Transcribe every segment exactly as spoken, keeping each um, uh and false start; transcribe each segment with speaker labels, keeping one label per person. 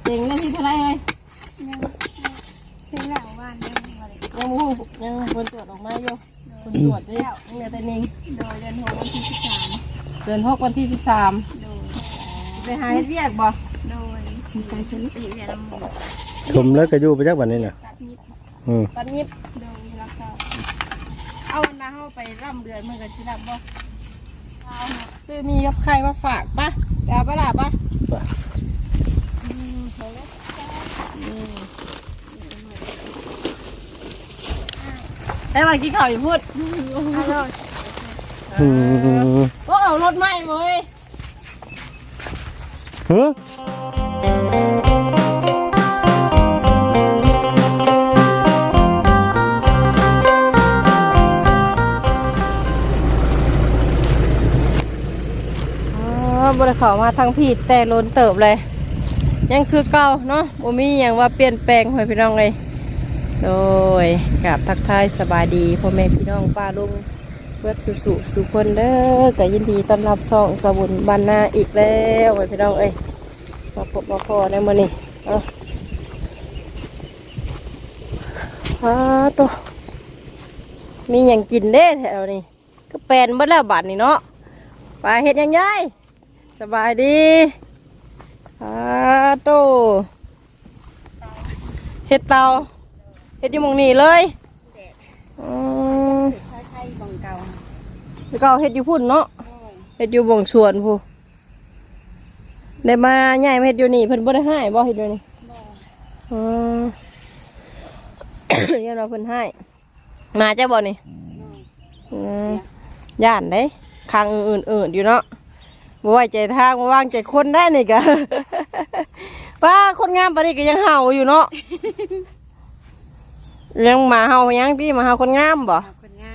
Speaker 1: เจ๋งนาทีเท่าไรเลย
Speaker 2: ยังเซ็งแล้วว่านยังอะไร
Speaker 1: ยังมูยังคนตรวจออกมาอยู่คนตรวจด้วยยังเหลือแต่นิ่ง
Speaker 2: โดยเดือนหกวันที่สิบสาม
Speaker 1: เดือนหกวันที่สิบสาม
Speaker 2: โดย
Speaker 1: ไปหาเฮ็ดเวียกบ่
Speaker 2: โดยไปชนปีเวียนละหมู่
Speaker 3: ชมแล้วก็อยู่ไปจักวันนี้น่ะ
Speaker 2: ตัดนิด
Speaker 3: อืม
Speaker 1: ปันยิบ
Speaker 2: โดยแล้วก็
Speaker 1: เอาหน้าเฮาไปร่ำเดือนเมื่อกันสิรับบ่เอาซื้อมีกับใครมาฝากปะเดี๋ยวไปล่ะปะ
Speaker 3: ไป
Speaker 1: อืมโหเลยอืมไอ้มากินข้าวอยู่พูด
Speaker 2: ฮัลโหล
Speaker 3: อืม
Speaker 1: ก็เอารถใหม่เว้ย
Speaker 3: เฮ้อ
Speaker 1: บ่ได้เข้ามาทางพี่แต่ล้นเติบเลยยังคือเก่าเนาะบ่มีหยังว่าเปลี่ยนแปลงให้พี่น้องเลยโดยกับทักทายสบายดีพ่อแม่พี่น้องป้าลุงเพื่อสุสุสุคนเด้อก็ยินดีต้อนรับซ่องสบุญบ้านนาอีกแล้วให้พี่น้องเอ้ยมาพบมาพอในมื้อนี้เอ้าอ้าตัวมีหยังกินเด้แถวนี้ก็แปลนเบิดแล้วบัดนี้เนาะไปเฮ็ดหยังยายสบายดีอาโตเฮ็ดเตาเฮ็ดอยู่หมองนี้เลยอืม
Speaker 2: ใช้ไข่บังเก่า
Speaker 1: แล้วก็เฮ็ดอยู่พุ่นเนาะเฮ็ดอยู่บ่งสวนพูได้มาใหญ่มาเฮ็ดอยู่นี่เพิ่นบ่ได้ให้บ่เฮ็ดอยู่นี่อืม ยันว่าเพิ่นให้มาจ้ะบ่นี่อืมย่านเด้คางอื่นๆอยู่เนาะบ่ไว้ใจทางบ่วางใจคนได้นี่ก็ ป้าคนงามปานนี้ก็ยังเห่าอยู่เนาะ ยังมาเห่ายังพี่มาเห่าคนงามบ่
Speaker 2: คนงาม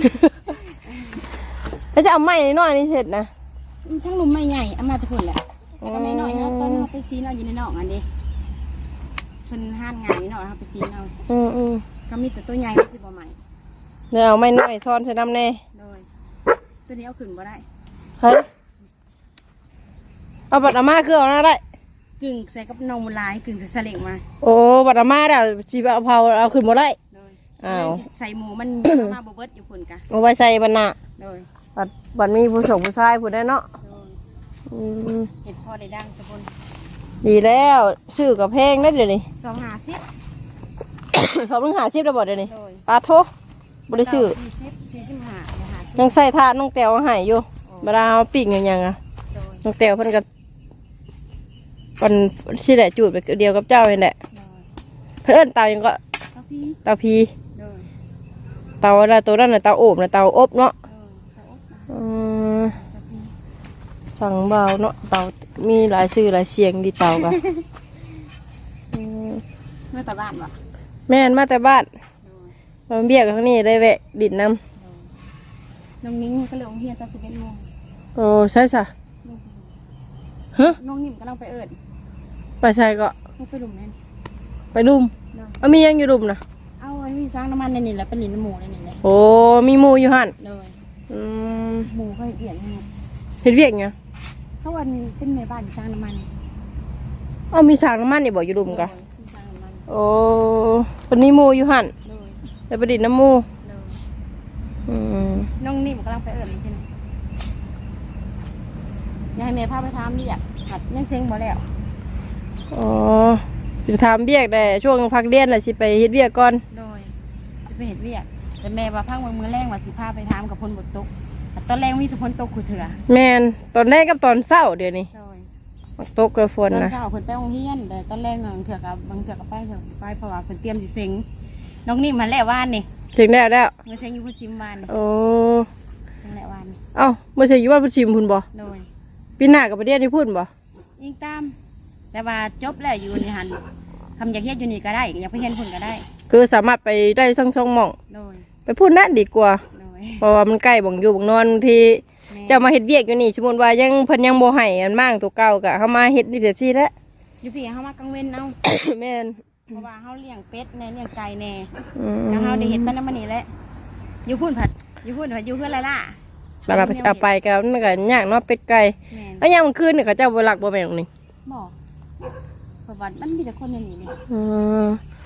Speaker 1: แล้วจะเอาไม้น้อยนี่เสร็จนะ
Speaker 2: ทั้งลุมไม่ใหญ่เอามาทุกคนแหละแต่ก็ไม่น้อยเนาะตอนเราไปซีเราอยู่ในนอกอันนี้เพิ่นห้านงานนี่เนาะเราไปซีเอา
Speaker 1: อืมอืม
Speaker 2: ก็มีแต่ตัวใหญ่ไม่ใช่บ่ใหม่
Speaker 1: เดี๋ยวเอาไม้น้อยซ้อนใส่น้ำแน่
Speaker 2: โดยตัวนี้เอาขึ้นบ่ได้
Speaker 1: เฮ้ยเอาบัตรอาม่าคือเอาหน้าได้
Speaker 2: กึ่งใส่กับนมลายกึ่งใส่สลิงมา
Speaker 1: โอ้บัตรอาม่าเดี๋ยวจีบเอาเผาเอาขึ้นมาได้
Speaker 2: โดย
Speaker 1: อ้าว
Speaker 2: ใส่หมูมัน มาบ่เบิดอยู่พุ่นกะ
Speaker 1: เอาไว้ใส่บรรณะ
Speaker 2: โดย
Speaker 1: บัตรบัตรมีผู้ชมผู้ชายผู้ได้เนาะ
Speaker 2: โดย
Speaker 1: อืม
Speaker 2: เห็ดพอได้ดังสะพน
Speaker 1: ดีแล้วชื่อกับเพลงได้เดี๋ยวนี้
Speaker 2: สองหาสิบ
Speaker 1: เขาเพิ่งหาซิปแล้วบอกเดี๋ยวนี้
Speaker 2: โดย
Speaker 1: ปลาโทบริชื่อ
Speaker 2: สี่สิบสี่สิบห้าเดี๋ยวหาสิบ
Speaker 1: ยังใส่ทานน้องแตวเอาใหายอยู่เวลาเอาปีกอย่างยังอ่ะ
Speaker 2: โดย
Speaker 1: น้องแตวเพิ่นก็วันที่แหละจูดไปเดียวกับเจ้าเองแหละ
Speaker 2: โดย
Speaker 1: เพิ่นเอิ้นเตายังก็
Speaker 2: กาพี่
Speaker 1: เตาพี
Speaker 2: โดย
Speaker 1: เตาอะไรตัวนั้นน่ะเตาโอบน่ะเตาอบเนาะ
Speaker 2: โดยเตาอบนะ
Speaker 1: อืม
Speaker 2: กาพี่
Speaker 1: สั่งเบาเนาะเตามีหลายชื่อหลายเสียงดีเตากัน
Speaker 2: เมื่อตะบ้านวะ
Speaker 1: แม่นมาแต่บ้าน
Speaker 2: โดย
Speaker 1: มาเบี้ยกับข้างนี้ได้แวะดิดน้
Speaker 2: โดยน้องนิ้งก็เลยองเฮียนตอนสิบเอ็ดโมง
Speaker 1: ำโอ้ใช่สะฮะ
Speaker 2: น้องนิ่มกำลังไปเอิญ
Speaker 1: ไปใส่ก็
Speaker 2: น้องไปหลุมนั่น
Speaker 1: ไปดุม
Speaker 2: โดย
Speaker 1: เอามียังอยู่ดุมนะ
Speaker 2: เอาอันนี้สร้างน้ำมันในนี่แหละเป็นหลินน้ำหมูในนี่แหละ
Speaker 1: โอ้มีหมูอยู่หัน
Speaker 2: โดย
Speaker 1: อืม
Speaker 2: หมูเขาเปลี่ยนให้หมด
Speaker 1: เฮ็ดเวียกไง
Speaker 2: เขาวันเป็นแม่บ้านสร้างน้ำมัน
Speaker 1: เอามีสางน้ำมันนี่บอกอยู่ดุมกะ
Speaker 2: โดยสร้างน้ำมัน
Speaker 1: โอ้คนมีหมูอยู่หัน
Speaker 2: โดย
Speaker 1: แล้วไปดิดน้ำหมู
Speaker 2: โดย
Speaker 1: อืม
Speaker 2: น้องนิ่มกำลังไปเอิญใช่ไหมอยากให้แม่พาไปทำนี่อยากหัดยังเซ็งบ่แล้ว
Speaker 1: อ๋อสิไปทำเบียกได้ช่วงพักเรียนน่ะสิไปเฮ็ดเวียกก่อน
Speaker 2: โดยจะไปเห็ดเวียกแต่แม่ว่าพังมือแรงว่าสิพาไปทำกับพลบทตกแต่ตอนแรงมีแต่พลตกขุดเถื่อ
Speaker 1: แม่นตอนแรกกับตอนเช้าเดี๋ยวนี้
Speaker 2: โดย
Speaker 1: มักตกกับฝ
Speaker 2: ตอน น
Speaker 1: นะ
Speaker 2: เช้าเพิ่นไปโรงเรียนแต่ตอนแรงบางเถื่อกับบางเถื่อกับไปเถื่อไปเพราะว่าเพิ่นเตรียมสิเซ็งน้องนิ่มมันแหละว่านนี่
Speaker 1: ถึงแล้วแล้ว
Speaker 2: มือเซ็งอยู่พุ่นจิมวาน
Speaker 1: โอ้
Speaker 2: เซ็งแหละวานนี่
Speaker 1: เอ้าเมื่อใช่อยู่บ้านพุ่ชิมพุ่นบ่
Speaker 2: โดย
Speaker 1: ปีหน้ากับประเดี๋ยวที่พุ่นบ่
Speaker 2: ยิงตาม แต่ว่าจบแล้วอยู่นี่หันคำอยากเฮ็ดอยู่นี่ก็ได้อยากไปเห็นพุ่นก็ได้
Speaker 1: คือสามารถไปได้ทั้งช่องหม่อง
Speaker 2: โดย
Speaker 1: ไปพุ่นนั่นดีกว่า
Speaker 2: โดย
Speaker 1: เพราะว่ามันใกล้บ่งอยู่บ่งนอนบางที
Speaker 2: แม่
Speaker 1: จะมาเฮ็ดเวียกอยู่นี่สมมุติว่ายังเพิ่นยังบ่ให้อันมั่งตัวเก่ากะเฮามาเฮ็ดนี่แบบซี่แหล้ว
Speaker 2: อยู่พี่เฮามากลางเว้นเอา
Speaker 1: แม่น
Speaker 2: เพราะว่าเฮาเลี้ยงเป็ดแน่เลี้ยงไก่แน่
Speaker 1: อืม
Speaker 2: แล้วเฮาได้เห็นมันนำมันนี่แหละอยู่พุ่นผัดอยู่พุ่นผัดอยู่เพื่อนละล่ะ
Speaker 1: แล้วเราไปเอาไปก็มันก็ยากเนาะเป็ดไก่
Speaker 2: แม่น
Speaker 1: แล้วยามกลางคืนนี่เขาเจ้าบ่รักบ่แม่นตรงนี้
Speaker 2: บอกเขาบว่ามันมีแต่คนอย่างนี้เนี่ย
Speaker 1: อืม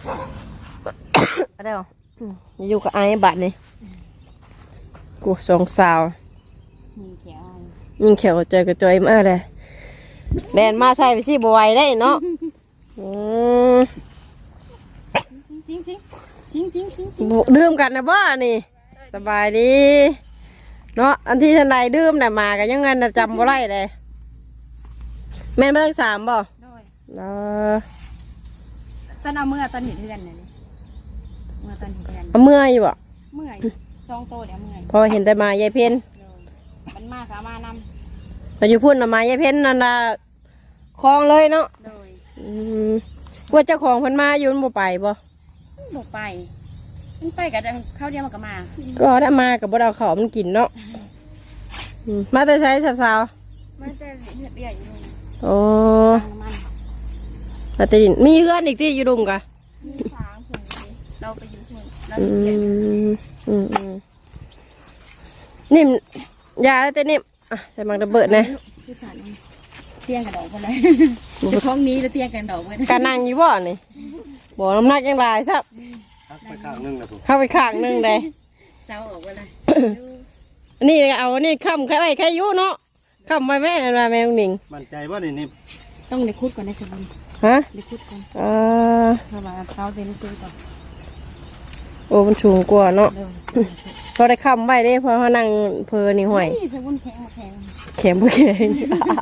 Speaker 1: อะไรหรออืมอยู่กับไอ้บัดนี่กูสองสาว
Speaker 2: มีแขว
Speaker 1: ยิงแขวใจกระจอยมากเลยแดนมาใส่ไปสิบไหวได้เนาะอืม
Speaker 2: ซิงซิงซิงซิงซิงซิง
Speaker 1: ดื่มกันนะบ้านี่สบายดีเนาะอันที่ทันใดดื่มน่ะมากันยังไงน่ะจำบ่ได้เลยแม่นเบิ่งสามบ่
Speaker 2: โดย
Speaker 1: เออ
Speaker 2: ตอนเอาเมื่อตอนเห็นเพื่อนเนี่ยเมื่อตอนเห็นเพื่อน
Speaker 1: เอาเมื่อยอยู่บ่
Speaker 2: เมื่อยซองโตเดี๋ยวเมื่อย
Speaker 1: พอเห็นแต่มายายเพ็ญ
Speaker 2: โดยมันมากกับมาน
Speaker 1: แต่อยู่พุ่นน่ะมายายเพ็ญนั่นน่ะคลองเลยเนาะ
Speaker 2: ำโดย
Speaker 1: อืมกลัวเจ้าของเพิ่นมาอยู่มันบ่ไปบ่
Speaker 2: บอกไปมันไปกับข้าวเดียวมันก็มา
Speaker 1: ก็ได้มากับบ่ได้เอาข้าวมันกินเนาะอืมมาแต่ใช้สาว
Speaker 2: มันจะเลือดเบี้ยอยู่ตรงนี้
Speaker 1: ๆโอ้
Speaker 2: ทางมัน
Speaker 1: แต่ติมีเพื่อนอีกที่อยู่ดุมกะ
Speaker 2: มีฟางผงเราไปอยู่ที่เรา
Speaker 1: อื
Speaker 2: อยู่เจ็ด
Speaker 1: มอืมอืมนิ่มยาแล้วแต่นิ่มอ่ะใส่มังระเบิดนะ
Speaker 2: คือสารเตียงกระดอกไปเลยจะคล้องนี้แล้วเตียงกันดอกไป
Speaker 1: การนั่งอยู่บ่นี่บ่น้ำหนักยังหลายซับ
Speaker 3: พักไปข้างนึงนะผม
Speaker 1: เข้าไปข้างหนึงเลย
Speaker 2: เศร้าออกไปเลย
Speaker 1: อันนี้เอาอันนี้ค้ำใครไว้ใครอยู่เนาะค้ำไว้แม่นั่นว่าแม่ลุงหนิง
Speaker 3: มั่นใจว่านี่นี่
Speaker 2: ต้องได้คุดก่อนในสมุน
Speaker 1: ฮะ
Speaker 2: ได้คุดก่อน
Speaker 1: อ่า
Speaker 2: เพราะว่าเท้าเต็มซื้อก่อน
Speaker 1: โอ้มันสูงกว่าเนาะ
Speaker 2: เร็ว
Speaker 1: พอได้ค้ำไว้เด้เพอเขานั่งเพลนี่ห่วย
Speaker 2: นี่สมุนแข็งมาแข็ง
Speaker 1: แข็งบ่แข็ง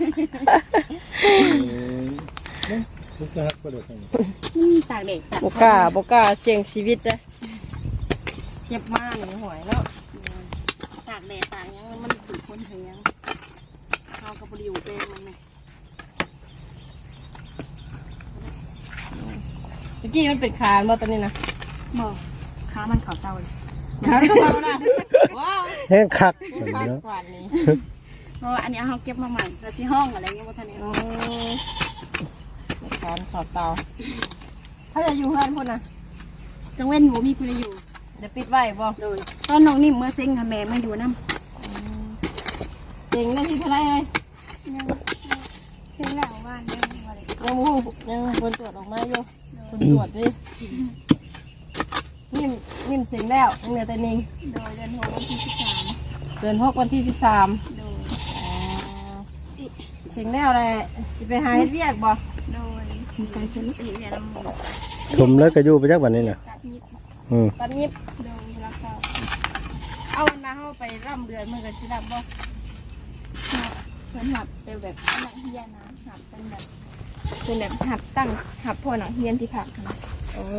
Speaker 3: ทุกข์ฮักก็เดือด
Speaker 2: นี่ตากเด็กตาก
Speaker 1: บกล้าบกล้าเสี่ยงชีวิตนะเจ็บมากนี่ห่วยเนาะ
Speaker 2: ตากแดดตากยังมันถือคนเถียงเขากับบริวเป็นมันไง
Speaker 1: เมื่อกี้มันเป็นคานบ่ตอนนี้นะ
Speaker 2: บอกขามันเขาเตาเลย
Speaker 1: คานก็เบานะว้าว
Speaker 3: แห้งคัก
Speaker 1: คาน
Speaker 3: เนาะ
Speaker 1: กว่านี้
Speaker 2: เพราะว่าอันนี้เขาเก็บมาใหม่แล้วที่ห้องอะไรเงี้ยว่าท่านนี้
Speaker 1: อืมคานขอบเตาถ้าจะอยู่เพื่อนพุ่นนะ
Speaker 2: จังเว้นหมูมีคุณอยู่
Speaker 1: เดี๋ยวปิดไว้บ่
Speaker 2: โดยตอนน้องนิ่มเมื่อเซ็งค่ะแม่ไม่อยู่น้ำ
Speaker 1: เจ๋งได้ที่เท่าไรเลย
Speaker 2: เซ็งแล้วว่านยังอะไร
Speaker 1: ยังมูยังคนตรวจออกมาอยู่คนตรวจดินิ่มนิ่มเสียงแล้วยังเหลือแต่นิ่ง
Speaker 2: โดยเดือนหกวันที่สิบสาม
Speaker 1: เดือนหกวันที่สิบสาม
Speaker 2: โดย
Speaker 1: เสียงแล้วแหละจะไปหาเฮ็ดเวียกบ่
Speaker 2: โดยมีการชนอีกเนี่ยลำหมู
Speaker 3: ชมแล้วก็อยู่ไปจักวันนี้น่ะ
Speaker 2: ตัดนิด
Speaker 3: อืม
Speaker 1: ตอนยิบ
Speaker 2: โดยแล้วก็
Speaker 1: เอาวันนาเข้าไปร่ำเดือนมันก็สิรับบ่
Speaker 2: เหมือนหับเป็นแบบหนังเฮียนะหับเป็นแบบเป็นแบบหับตั้งหับพอหนังเฮียนที่ผักนะ
Speaker 1: โอ้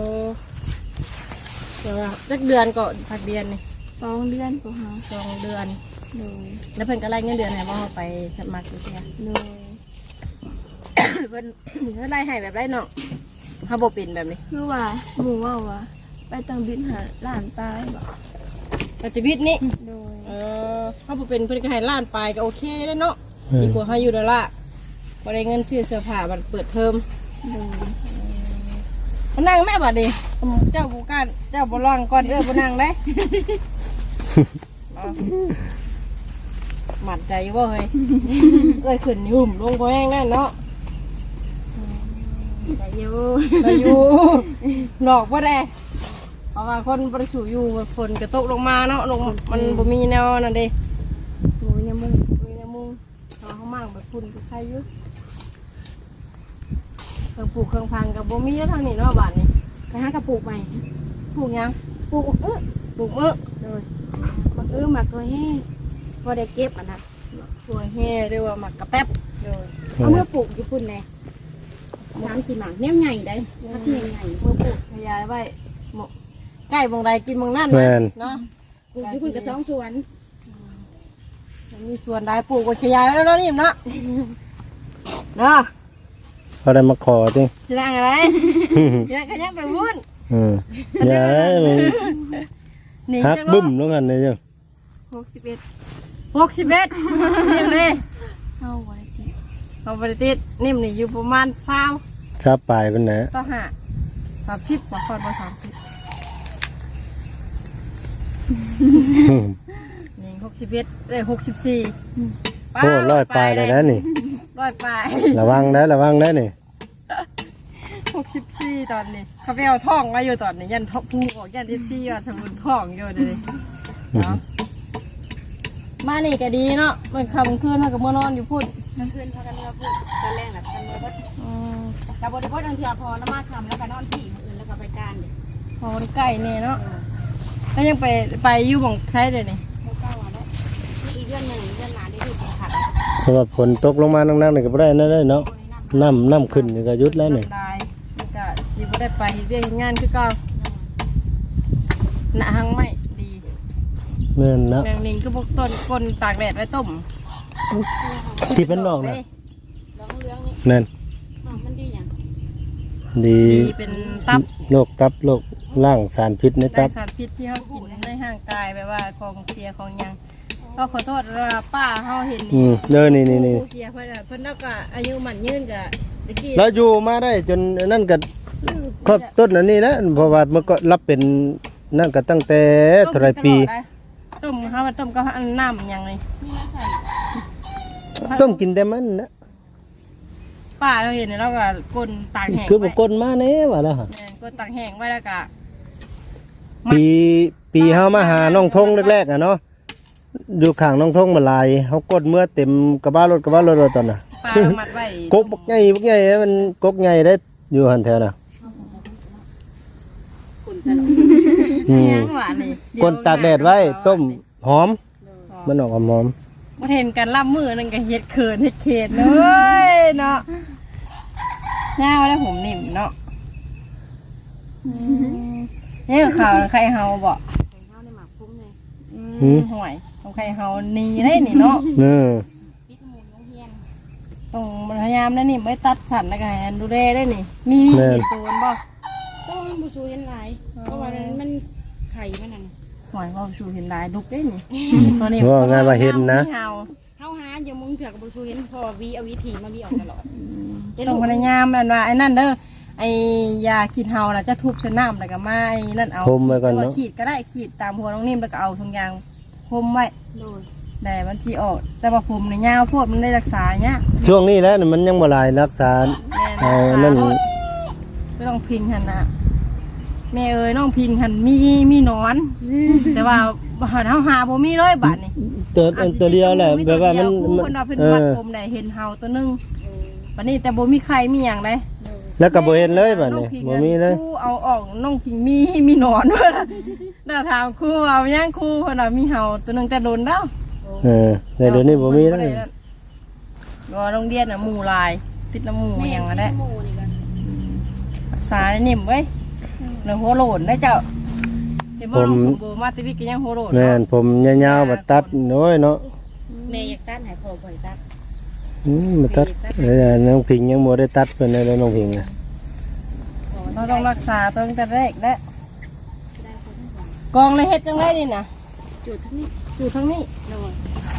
Speaker 1: เดี๋ยวนะจักเดือนก็พักเดือนนี่
Speaker 2: สองเดือนก็หา
Speaker 1: สองเดือน
Speaker 2: โดย
Speaker 1: แล้วเพิ่นก็ไล่เงินเดือนให้บ่เอาไปสมัครอยู่เสีย
Speaker 2: โดย
Speaker 1: เพิ่นเพิ่นไล่ให้แบบไรเนาะเฮาบ่เป็นแบบนี้
Speaker 2: คือว่าหมูว่าว่าไปตังบินหาหลานตายบอก
Speaker 1: ปฏิบิตนี่
Speaker 2: โดย
Speaker 1: เออเฮาบ่เป็นเพิ่นก็ให้ล้านปลายก็โอเคแล้วเนาะดีกว่าเฮาอยู่ดอลลาร์บ่ได้เงินซื้อเสื้อผ้าบัดเปิดเทอม
Speaker 2: โดย
Speaker 1: มานั่งแม่บัดนี้เจ้าบ่กล้าเจ้าบ่ร้องก่อนเด้อบ่นั่งเด้ เอาหมัดใจบ่เฮ้ย เอ้ยขึ้นยุ่มลงบ่แห้งแน่เนาะ
Speaker 2: แต่อยู
Speaker 1: ไปอยู่ หลอกบ่ได้เพราะว่าคนบ่ได้สู่อยู่ฝนก็ตกลงมาเนาะลงมันบ่มีแนวนั่นเด้
Speaker 2: หมูยำมุง
Speaker 1: มีแนวมุงเอาข้างมั่งแบบฝุ่นก็ใครอยู่เครื่องปลูกเครื่องพังก็บ่มีแล้วทางนี้เนาะบ้านนี้
Speaker 2: ไปหากระปุกใหม่
Speaker 1: ปลูกหยัง
Speaker 2: ปลูกเออ
Speaker 1: ปลูกเอ้อ
Speaker 2: โดยมันเออหมักตัวแห้งพอได้เก็บอ่ะนะ
Speaker 1: ตัวแห่เรียกว่าหมักกระแป๊บโดย
Speaker 2: เอาเมื่อปลูกญี่ปุ่นเลยสามสี่หมากแนวใหญ่ได้พักใหญ่ใหญ่
Speaker 1: เมื่อปลูกขยายไว้หมกใกล้บงใดกินบงนั่น
Speaker 3: แม่
Speaker 1: นะ
Speaker 3: น
Speaker 1: เนาะ
Speaker 2: ปลูกญี่ปุ่นกับสองสวน
Speaker 1: มันมีส่วนใดปลูกก็ขยายไว้แล้วเนาะนี่เนาะเนาะ
Speaker 3: เขาได้มาขอจริง
Speaker 1: จะนั่งอะไรจะนั่งขยับไปวุ่น
Speaker 3: อืมอย่าได้มึง
Speaker 1: นี่
Speaker 3: ฮัก
Speaker 1: จัง
Speaker 3: บึ้มแล้วกันเลยจ้ะ
Speaker 2: หกสิบเอ็ด
Speaker 1: หกสิบเอ็ดนิ่มเลย
Speaker 2: เท่าวันที่
Speaker 1: เอาไปติดนิ่มนี่อยู่ประมาณเช้า
Speaker 3: ชาปลายเป็นไหน
Speaker 1: เช้าห้าสามสิบกว่าคนมาสามสิบนี่หกสิบเอ็ดเลยหกสิบสี่
Speaker 3: โอ้ร้อยปลายเลยนะนี่
Speaker 1: ร้อยปลาย
Speaker 3: ระวังได้ระวังได้นี่
Speaker 1: หกสิบสี่ตอนนี้เขาไปเอาท่องมาอยู่ตอนนี้ยันท้องพูออกยันเอฟซีว่าสมุนท่องอยู่เลยเนาะมานี่ก็ดีเนาะมันคำคืนเขากับมื่อนอนอยู่พูด
Speaker 2: กลางคืนพากันเมื่อพูดตอนแรกแหละพากันเมื่อพูดกับบริโภคบางทีพอละมาคำแล้วก็นอนที่มืออื่นแล้วก็ไปการเด็ก
Speaker 1: พอมันใกล้เนี่ยเนาะแล้วยังไปไปอยู่ของใครเลยนี่
Speaker 2: เขาเก้าวันแล้วนี่อีกเดือนหนึ่งเดือนหนาได้ดูสิขัด
Speaker 3: เพราะว่าฝนตกลงมานักๆนี่ก็บ่ได้นั่นเลยเนาะน้ำน้ำขึ้นนี่ก็หยุดแล้วนี่
Speaker 1: ได้มันก็สิบ่ได้ไปเรื่องงานคือเก่าหน้าหังไม่ดี
Speaker 3: แม่นนะ
Speaker 1: แมงลิงคือพวกต้นกลตากแดดไว้ต้ม
Speaker 3: ที่เป็นดอกน่ะ
Speaker 2: ร้องเรื่องนี้
Speaker 3: นั่น
Speaker 2: อ๋อมันดีอย่าง
Speaker 3: ดี
Speaker 1: ดีเป็นตับ
Speaker 3: โรคตับโรคล่างสารพิษใน
Speaker 1: ได้
Speaker 3: ตับ
Speaker 1: สารพิษที่เขากินในห่างกายแบบว่าของเสียของหยังก็ขอโทษว่าป้าเขาเห็น
Speaker 3: อืมเด้อนี่นี่นี่
Speaker 1: ผู้เสียเพิ่นน่ะเพิ่นแล้วก็อายุมันยืนกับตะกี้
Speaker 3: แล้วอยู่มาได้จนนั่นก็ครบต้นอันนี้นะเพราะว่ามันก็รับเป็นนั่นก็ตั้งแต่เท่าไรปี
Speaker 1: ต้มเขามาต้มก็น้ำอย่างไร
Speaker 2: มีน้ำใส่
Speaker 3: ต้มกินแต่มันนะ
Speaker 1: ป้าเราเห็นแล้วก็ก้นตากแห้ง
Speaker 3: คือบุ
Speaker 1: ไว้
Speaker 3: กลมาแน่ว่าแล้วฮะ
Speaker 1: แม่นก้นตากแห้งไว้แล้วก็
Speaker 3: ปีปีเฮามาหาน้องทงแรกๆอ่ะเนาะอยู่ข้างน้องทงมาลายเฮากดเมื่อเต็มกระบะรถกระบะรถตอนน่ะ
Speaker 1: ป้าเอามัดไว้
Speaker 3: กกบักใหญ่บักใหญ่มันกกใหญ่ได้อยู่หันแถวน่ะ
Speaker 2: ขุ่นตลอด
Speaker 3: อืม
Speaker 1: ยังหวานนี่
Speaker 3: กดตากแดดไว้ต้มหอม มันออกหอม
Speaker 1: มาเห็นกันล่ำมือนึงก็เฮ็ดเขินเฮ็ดเขตเลยเนาะหน้าว่าแล้วผมนิ่มเนาะนี่ข่าวใครเฮาบ่
Speaker 2: ใส่ข้าวในหมักพุ่งเลย
Speaker 1: อืมห่วยของใครเฮานีได้นี่เนาะ
Speaker 3: ๆเออ
Speaker 2: ปิดหมูน้องเฮียน
Speaker 1: ต้องพยายามนะนี่ไม่ตัดสันแล้วก็ให้อันดูแลได้นี่ มีมีมีตัวบ่
Speaker 2: ต้องบูซูเห็นหลายเพราะว่ามันไข่มันนั่น
Speaker 1: หอยพ่อชูเห็นลายดุกได้นี่ตัวนี้
Speaker 3: ว่างานว่าเห็นนะ
Speaker 1: เฮา
Speaker 2: เข้าหาอย่ามึงเถื่อกบูซูเห็นพอวีเอาวิธีมาวีออกตลอด
Speaker 1: ต้องพยายามนั่นว่าไอ้นั่นเด้อไอ้ยาขีดเฮาน่ะจะทุบใส่น้ำแล้วก็มาไอ้นั่นเอา
Speaker 3: พรมไว้ก่อนเนอะ
Speaker 1: ขีดก็ได้ขีดตามหัวน้องนิ่มแล้วก็เอาทุงยางพรมไว้
Speaker 2: โดย
Speaker 1: แต่มันที่ออกแต่ว่าผมในยยาวโพวดมันได้รักษาเนี้ย
Speaker 3: ช่วงนี้แหล้วมันยังบ่หลายรักษา
Speaker 1: แม่
Speaker 3: เอา
Speaker 1: รักษา
Speaker 3: นั่น
Speaker 1: โลดไม่ต้องพิงหันนะแม่เอ้ยน้องพิงหันมีมีหนอน แต่ว่าหาเฮาหาบ่มีเลยบาดนี่
Speaker 3: ตัวอันตัวเดียวแหละแบบว่ามัน
Speaker 1: คู่
Speaker 3: มัน
Speaker 1: เพิ่นว่าเพิ่น
Speaker 3: เอ
Speaker 1: วัด
Speaker 3: อ
Speaker 1: ผมได้เห็นเฮาตัวหนึงบัดนี้แต่บ่มีใครมีหยังเลย
Speaker 3: แล้วก็บ่เห็นเลยบัดนี้บ่มีเลย
Speaker 1: ครูเอาออกน้องพิงมีมีหนอนด้วยล่ะน่าถามครูเอาย่างครูเพิ่นว่ามีเฮาตัวหนึงแต่โดนแล้ว
Speaker 3: เออแต่เดี๋ยวนี้บ่มีแล้ว
Speaker 1: ก็โรงเรียนน่ะหมู่หลายติดน้ำหมู่หยังก็ได้
Speaker 2: หมูนี่กัน
Speaker 1: รักษาได้นิ่มเว้ยเนื้อหัวโหลนได้เจ้าเห็นว่าน้องสมบูรณ์มาติวิกก็ยังหัวโหลน
Speaker 3: แม่นผมยาวๆมาตัดน้อยเนาะ
Speaker 2: แม่อยากตัดหายคอบ่อยตัด
Speaker 3: อืมมาตัดเออน้องพิงยังบ่ได้ตัดเพิ่นเลยน้องพิงอ่ะ
Speaker 1: เราต้องรักษาตั้งแต่แรกและกองเลยเฮ็ดจังไรนี่นะ
Speaker 2: จุดทั้งนี้
Speaker 1: อยู่ทั้งนี้
Speaker 2: โดย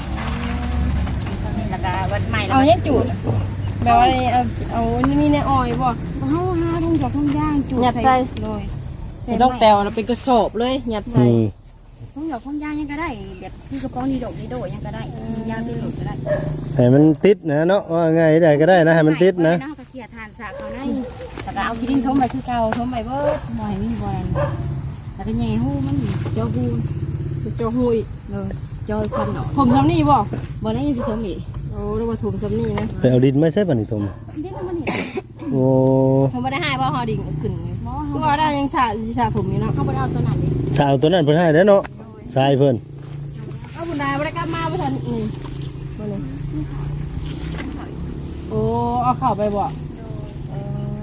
Speaker 2: แล้วก็วันใหม่แล้ว
Speaker 1: เอาเฮ็ดจูดแบบว่าเอาเอานี่มีในอ้อยบ่
Speaker 2: เฮาหาทุ่งจอกทุ่งย่างจุด
Speaker 1: ยัดใส่
Speaker 2: โดย
Speaker 1: ใส่ดอกแตวเราเป็นกระสอบเลยยัด
Speaker 3: อื
Speaker 1: ใส่
Speaker 3: ม
Speaker 2: ทุ่งจอกทุ่งย่างยังก็ได้แบบที่กระป๋องดีดอกดีโดยังก็ได้ย่างดีโดก็ได้
Speaker 3: ให้มันติดนะเนาะว่าไงได้ก็ได้นะให้มันติดนะ
Speaker 2: เฮาก็เขี่ยทานสากเขาในแล้วก็เอาขี้ดินทมไปคือเก่าทมไปเบิดบ่ให้มีบ่นั่นแล้วก็แย่ฮู้มันเจ้าฮู้
Speaker 1: เจ้าหุย
Speaker 2: เลยจอยควันเนาะ
Speaker 1: ผมทำนี่บ่
Speaker 2: บ่ได้สิทมอีก
Speaker 1: โอ้เรามาถุงทำนี่นะ
Speaker 3: ไปเอาดินไม่ใช่บัดนี้ตม
Speaker 2: เด็กมันเห็น
Speaker 3: โอ้
Speaker 1: ผมไม่ได้ให้บ่ฮอดิ่งขึ้น
Speaker 2: บ่
Speaker 1: ก็
Speaker 2: เฮา
Speaker 1: ว่าได้ยังสาสิสาผมอยู่นะ
Speaker 2: เฮาบ่ได้เอาตัวนั้นดิ
Speaker 3: ถ้าเอาตัวนั้นเพิ่นให้แล้วเนาะทรายเพิ่น
Speaker 1: เอาบุญได้บ่ได้กลับมาบ่ทันนี่บ่นี่โอ้เอาเข้าไปบ่เออ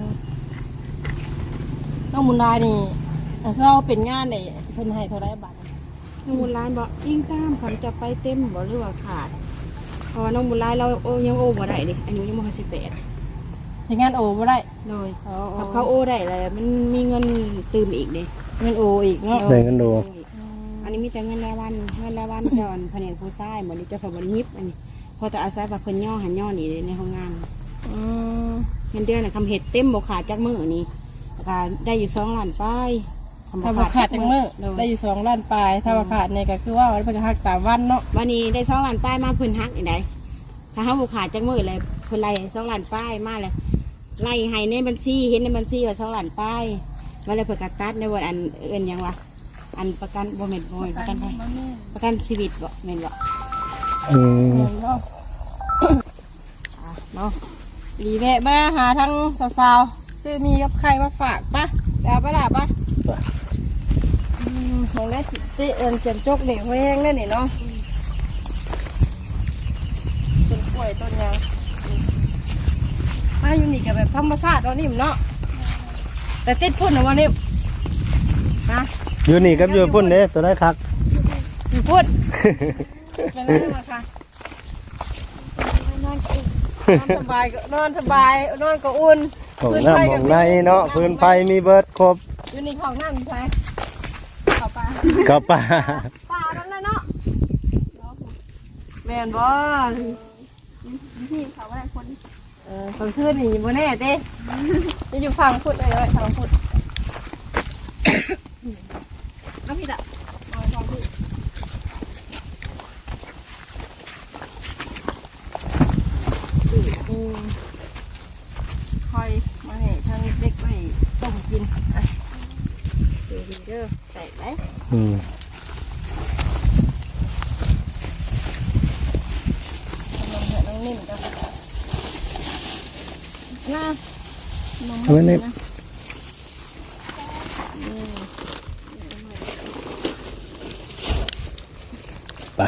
Speaker 1: ต้องบุญได้นี่เราเป็นงานนี่เพิ่นให้เท่าไรบาท
Speaker 2: น้องบุญหลายบ่อิงตามคันจะไปเต็มบ่หรือว่าขาดเพราะว่าน้องบุญหลายเราโอยังโอบ่ได้ดิอายุยังบ่สิบแปด
Speaker 1: เฮ็ดงานโอบ่ได้
Speaker 2: เลย
Speaker 1: อ๋อ
Speaker 2: ถ้าเขาโอได้เลยมันมีเงินตื่มอีกดิ
Speaker 1: เงินโออีกเนาะ
Speaker 3: แบ่งกันดู
Speaker 2: อันนี้มีแต่เงินรายวันเงินรายวันจอนแผนกผู้ชายเหมือนเจ้าของบริยิบอันนี้พอแต่อาศัยว่าเพิ่นย่อหันย่อนี่ในห้องงาน
Speaker 1: อืม
Speaker 2: เงินเดือนน่ะคำเห็ดเต็มบ่ขาดจักมื้อนี่แล้วก็ได้อยู่สองล้านป้าย
Speaker 1: ถ้าบ่ขาดจังมื้อได้อยู่สองล้านปลายถ้าบ่ขาดนี่ก็คือว่ามันเป็นหักตามวันเนาะ
Speaker 2: วันนี้ได้สองล้านป้ายมาเพิ่นฮักอีกได้ถ้าเฮาบ่ขาดจักมื้อเลยเพิ่นไล่สองล้านป้ายมาเลยไล่ให้ในบัญชีเห็นในบัญชีว่าสองล้านป้ายว่าเลยเพิ่นก็ตัดในวันอันเอิ้นหยังวะอันประกันบ่แม่นบ่แม่นประกันไทยประกันชีวิตบ่แม่นบ่
Speaker 3: อืม
Speaker 1: เนาะอ่ะเนาะดีแวะมาหาทั้งสาวๆซื้อมีกับใครมาฝากปะแล้วปะล่ะปะอืมของได้ติเอิญเขียนจกเด็กแห้งได้นี่เนาะต้นกล้วยต้นยางมาอยู่นี่กับแบบธรรมชาติเนาะนิ่มเนาะแต่ติดพุ่นนะวันนี้ฮะ
Speaker 3: อยู่นี่กับอยู่พุ่นเด้ตัวได้คัก
Speaker 1: อยู่พุ่นเป็นไรมาค่ะนอนสบายก็นอนสบายนอนก็อุ่น
Speaker 3: ของน้ำของในเนาะพื้นไฟมีเบิดครบ
Speaker 1: อยู่นี่ของน้ำใช่เข้าไป
Speaker 3: กับป่า
Speaker 1: ป่านั่นแหละเนาะแมนบอล
Speaker 2: พี่เขาว่าคน
Speaker 1: เออคนขึ้นนี่บนแน่เต้จะอยู่ฝั่งพุทธเลยเลยฝั่งพุทธ
Speaker 2: เอาพี่ตะเอาฟังพี่
Speaker 1: อืมคอยมาให้ทางเด็กไปต้มกินอ่ะเดี๋ยวดีเด้อใส่ไหม
Speaker 3: อืม
Speaker 1: นมเหนียวน้องนิ่มจ้ะน่านม
Speaker 3: เอาไว้ใน
Speaker 1: นะ
Speaker 3: ไป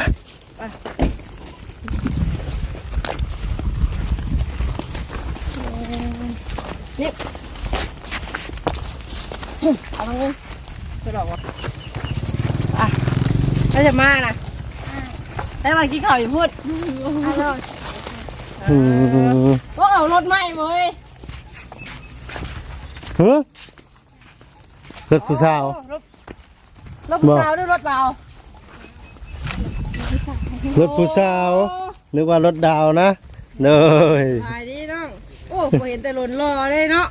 Speaker 1: นี่เอามาเงินจะหลอกวะอ่ะแล้วจะมานะได้มากินข้าวอยู่พูด
Speaker 3: อืม
Speaker 1: ก็เอารถไหม้เว้ย
Speaker 3: ฮะรถผู้สาว
Speaker 1: รถรถผู้สาวด้วยรถเรา
Speaker 3: รถผู้สาวนึกว่ารถดาวนะเลย
Speaker 1: ขายดีน้องโอ้ผมเห็นแต่รถรอเลยเนาะ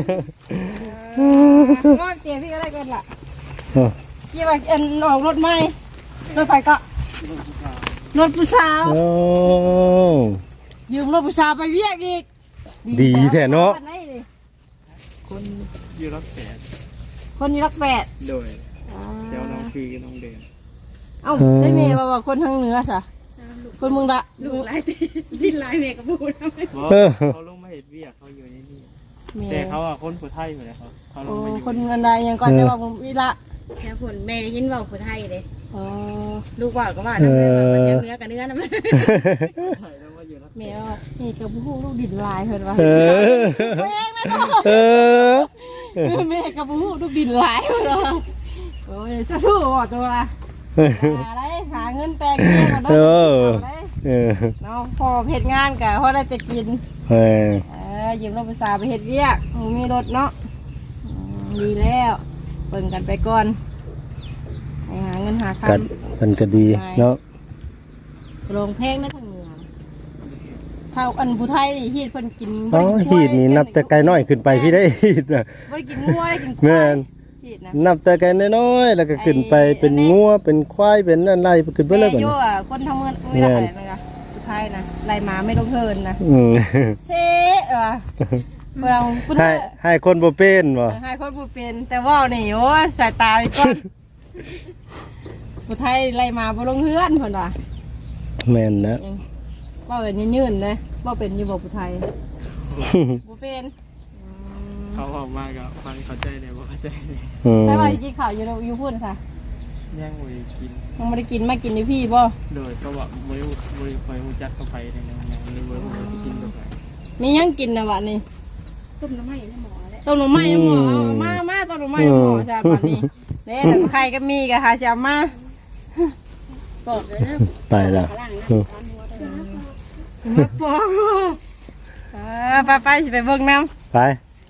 Speaker 1: ก้อนเตียพี่ก็ได้กันล่ะยี่ว่าเอ็นออกรถไหม้รถไฟก็รถผู้สาว
Speaker 3: โอ้
Speaker 1: ยืมรถผู้สาวไปเวียกอีก
Speaker 3: ดีแท้เนาะ
Speaker 4: คนอยู่รักแปด
Speaker 1: คนอยู่รักแปด
Speaker 4: โดยเจ้าน้องฟีกับน้องเดน
Speaker 1: เอ้าได้เมย์ว่าคนทางเหนือสะคนเมืองละ
Speaker 2: ลูกหลายตีดินหลายเมกะบูนะ
Speaker 4: บอกเขาลงมาเห็ดเวียกเขาอยู่ในนี่
Speaker 1: เม
Speaker 4: แต่
Speaker 1: ย์
Speaker 4: เขาอะคนผู้ไทยอยู่เลยเขาเขาล
Speaker 1: โอ้
Speaker 4: งมาอยู่
Speaker 1: คนเงินใดยังก่อนจะว่าผมวิละ
Speaker 2: แค่ผลแม่ยินเว่าผู้ไทยเลย
Speaker 1: อ๋อ
Speaker 2: ลูกว่าก็ว่าน้ำเนื้อมันเนื้อกับเนื้อนะแม่
Speaker 4: ไทยแล้วมาอยู่รัก
Speaker 1: เมย์ว่านี่กับผู้ลูกดินลายเพิ่นว่า
Speaker 3: เออ
Speaker 1: แพงนะเนาะ
Speaker 3: เออ
Speaker 1: แม่กับผู้ลูกดินลายเพิ่นว่าโอ้ยจะสู้บ่ตัวละหาได้หาเงินแต่งเงี้ยก่อนเนาะ
Speaker 3: เออ
Speaker 1: ได้
Speaker 3: เออ
Speaker 1: เนาะพอเฮ็ดงานกะพอได้จะกิน
Speaker 3: เออ
Speaker 1: เออยืมรถภาษาไปเฮ็ดเวียกหมูมีรถเนาะอืมดีแล้วเบิ่งกันไปก่อนไปหาเงินหาค
Speaker 3: กัดมันก็ดีเนาะ
Speaker 1: ำโรงเพลงนะทางเหนือถ้าอันผู้ไทยนี่ฮีดเพิ่นกิน
Speaker 3: อ๋อ
Speaker 1: บ่ได้กิ
Speaker 3: หีดนี่นับแต่ไกลน้อยขึ้นไปพี่ได้หีดน่ะ
Speaker 1: บ่ได้กินงัวได้กินควา
Speaker 3: แม่
Speaker 1: ย
Speaker 3: น
Speaker 1: ฮีดนะ
Speaker 3: นับแต่ไกลน้อยๆแล้วก็ขึ้นไปเป็นงัวเป็นควายเป็นอะไรขึ้นไปเลย
Speaker 1: แม่
Speaker 3: บัด
Speaker 1: โย่
Speaker 3: นี้
Speaker 1: อะคนทำเงินไม่ได้อะไรนะคะผู้ไทยนะไล่หมาไม่ต้องเทินนะ
Speaker 3: อืม
Speaker 1: เซ่เออเวลาผู้ไท
Speaker 3: ให้
Speaker 1: ย
Speaker 3: ให้คนบ่เป็นบ่
Speaker 1: ให้คนผู้เป็นแต่ว่านี่โอ้ยสายตาไปก่อนผู้ไทยไล่หมาบ่ลงเฮือนเพิ่นว่า
Speaker 3: แม่นนะ
Speaker 1: ยังว่าเป็นยืนๆเลยว่าเป็นอยู่บอกผู้ไทยบ่เป็น
Speaker 4: เขาออกมากับฟังเข้าใจเลยว่าเข้าใจเลย
Speaker 3: อืม
Speaker 1: ใช่ว่ากินข้าวอยู่อยู่พุ่นค่ะ
Speaker 4: ย่างมวยกิน
Speaker 1: ยังไม่ได้กินมากินอยู่พี่บ่
Speaker 4: โดยก็บอกมวยมวยคอยมูจักเข้าไปในนั้นอย่างนี้มวยมวยกินเข้าไป
Speaker 1: มียังกินนะวะนี่
Speaker 2: ต้มน้ำมันให้หมอแล้ว
Speaker 1: ต้มหน่อไม้ให้หมอเอามามาต้มหน่อไม้ให้หมอจ้าบัดนี้เด้แต่ใครก็มีก็หาสิเอามาบอกเลยนะ
Speaker 3: ตายละ
Speaker 2: ข้างล่างนะ
Speaker 3: อืม
Speaker 2: ตอนหัวเด้อ
Speaker 1: มาปอกเออไปไปสิไปเบิ่งน้ำ
Speaker 3: ไป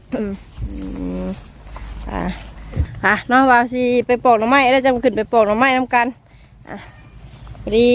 Speaker 1: อ่ะอ่ะน้องว่าสิไปปอกหน่อไม้แล้วจะขึ้นไปปอกหน่อไม้น้ำกันอ่ะพอดี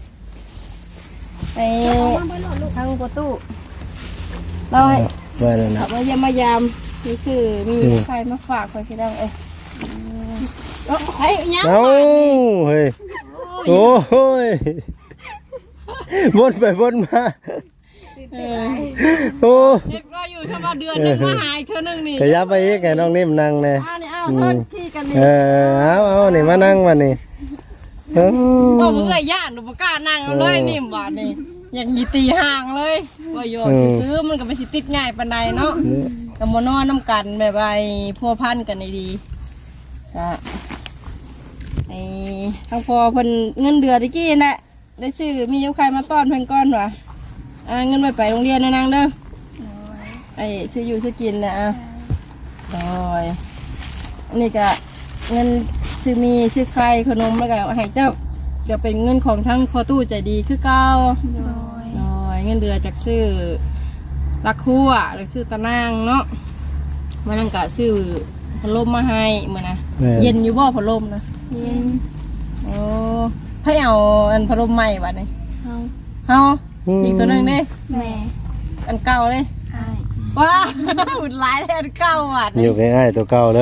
Speaker 1: ไปทางประตูเราให้
Speaker 3: ไว้แล้วนะ
Speaker 1: ขับมายามมายามมีสื่อมีใครมาฝากคนที่ดังเอ้ยเอ้าเฮ้ยยัง
Speaker 3: เอ้าเฮ้ยโอ้ยวนไปวนมา
Speaker 1: เออ
Speaker 3: โอ้
Speaker 1: เด็กก็อยู่คำว่าเดือนหนึงมาหายเธอหนึงนี่
Speaker 3: ขยับไปอีกให้น้องนิ่มนั่งแน่
Speaker 1: อ่านี่เอาโทษที่กันนี่
Speaker 3: เออเอาเอานี่มานั่งมานี่เออ
Speaker 1: โอ้มึงไอ้ย่านหนูบ่กล้านั่งเอาเลยนิ่มบาดนี่อย่างมีตีห่างเลยว่าโยกซื้อมันก็ไม่สิติดง่ายปานใดเนาะกับโมนอนน้ำกันแบบไอ้พัวพันกันดีๆก็ไอ้ทั้งพอเพิ่นเงินเดือนตะกี้น่ะได้ซื้อมียกใครมาต้อนเพิ่นก้อนวะอ่าเงินไปไปโรงเรียนนะนางเด้อไอ้ซื้ออยู่ซื้อกินนะอ่ะโอ้ยอันนี้ก็เงินซื้อมีซื้อไข่ขนมแล้วก็ให้เจ้าเดี๋ยวเป็นเงินของทั้งพอตู้ใจดีคือเก่าโอ้ยเงินเดือนจากซื้อลักคั่วหรือซื้อตะนางเนาะมันนั่งกะซื้อพัดลมมาให้เหมือนนะเย็นอยู่บ่พัดลมนะเย็นโอ้ให้เอาอันพัดลมใหม่บัดนี้เฮาเฮาอีกตัวหนึ่งดิแม่อันเก่าเลยว้าหุ่นร้ายเลยอันเก่าบัด
Speaker 3: อยู่ง่ายๆตัวเก่าเลย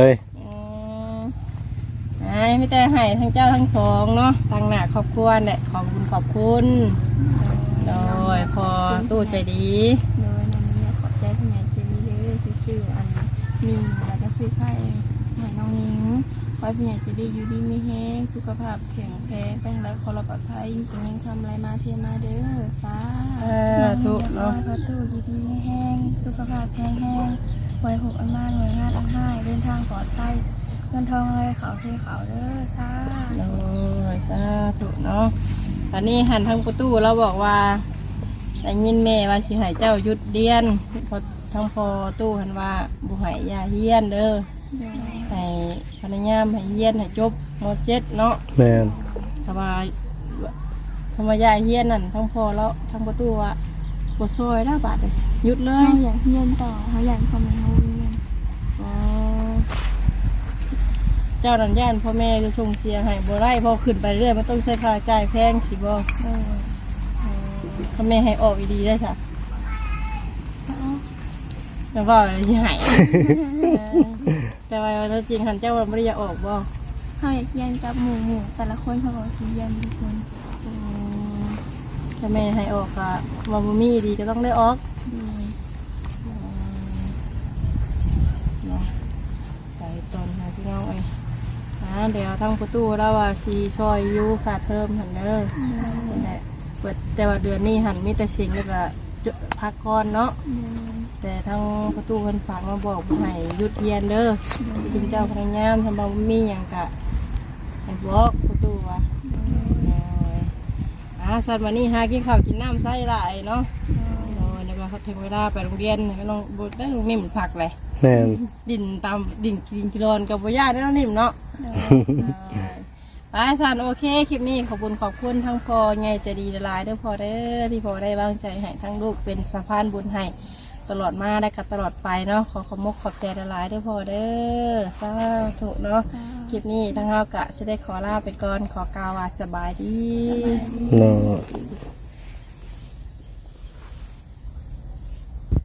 Speaker 1: ไอ้ไม่แต่ให้ทั้งเจ้าทั้งสองเนาะตั้งหน้าครอบครัวเนี่ยขอบคุณขอบคุณโดยพอตู้ใจดี
Speaker 5: โดยน้องเนี่ยขอบใจผู้ใหญ่ใจดีเลยคือชื่ออันนิ่งแล้วก็คือไข่หายน้องนิ้งขอให้ผู้ใหญ่ใจดีอยู่ดีไม่แห้งสุขภาพแข็งแรงแป้งและขอรับปลอดภัยจะมีคำอะไรมาเทียมาเด้อสา
Speaker 1: เออทุกเนาะ
Speaker 5: ประตูดีดีไม่แห้งสุขภาพแข็งแรงไว้หกอันมากเงินห้าอันห้าเดินทางปลอดภัยเงินทองอะไรเขาเทเขาเด้อสา
Speaker 1: โอ้ยสาธุเนาะตอนนี้หันทางประตูเราบอกว่าได้ยินแม่ว่าสิให้เจ้าหยุดเรียนพอทั้งพอตู้หันว่าบุให้ยาเฮียนเด้อให้พนักงานให้เฮียนให้จบมเจ็ดเนาะ
Speaker 3: แม่น
Speaker 1: ถ้าว่าธรรมยาเฮียนนั่นทั้งพอแล้วทั้งประตูว่าบซอยได้บาทเลยหยุดเลย
Speaker 5: เขาอยากเรียนต่อเขาอยากทำเขาเรียน
Speaker 1: อ๋อเจ้านันย่านพ่อแม่จะส่งเสียให้บ่ได้พอขึ้นไปเรื่อยมันต้องใช้ค่าจ่ายแพงสิบ่พ่อแม่ให้ออกดีๆได้จ้ะแล้วก็ที่หายแต่ว่าถ้าจริงหันเจ้าไม่ได้อยากออกบ่
Speaker 5: เขาอยากเรียนกับหมู่หมู่แต่ละคนเขาบอกที่เรียนทุกคน
Speaker 1: ถ้าแม่ให้ออกก็ว่าบ่มีดีก็ต้องได้ออก เนาะไปตอนหาพี่น้องเอ้ยอ่าเดี๋ยวทั้งประตูแล้วว่าชีซอยอยูขาดเพิ่มหันเด้อนั่นแหละเปิดแต่ว่าเดือนนี้หันมีแต่สิ่งแล้วก็จะพักก่อนเนาะแต่ทั้งประตูคนฝากมาบอกให้หยุดเรียนเด้อคุณเจ้าพนักงานทำบางมีอย่างกะให้บอกประตูว่าอ่าสัตว์วันนี้หากินข้าวกินน้ำใส่หลายเนาะโอ้ยเดี๋ยวมาเขาถึงเวลาไปโรงเรียนไม่ต้องบุได้ลูกนิ่มผักเลย
Speaker 3: แม่น
Speaker 1: ดินตามดินกินกิโลนกับบุญญาได้แล้วนิ่มเนาะไปสันโอเคคลิปนี้ขอบคุณขอบคุณทั้งพอไงจะดีละลายเด้อพอเด้อที่พอได้วางใจให้ทั้งลูกเป็นสะพานบุญให้ตลอดมาได้กับตลอดไปเนาะขอขอบมกขอบใจละลายเด้อพอเด้อสาธุเนาะคลิปนี้ทั้งเรากะจะได้ขอลาไปก่อนขอกล่าวว่าสบายดี
Speaker 3: เนาะ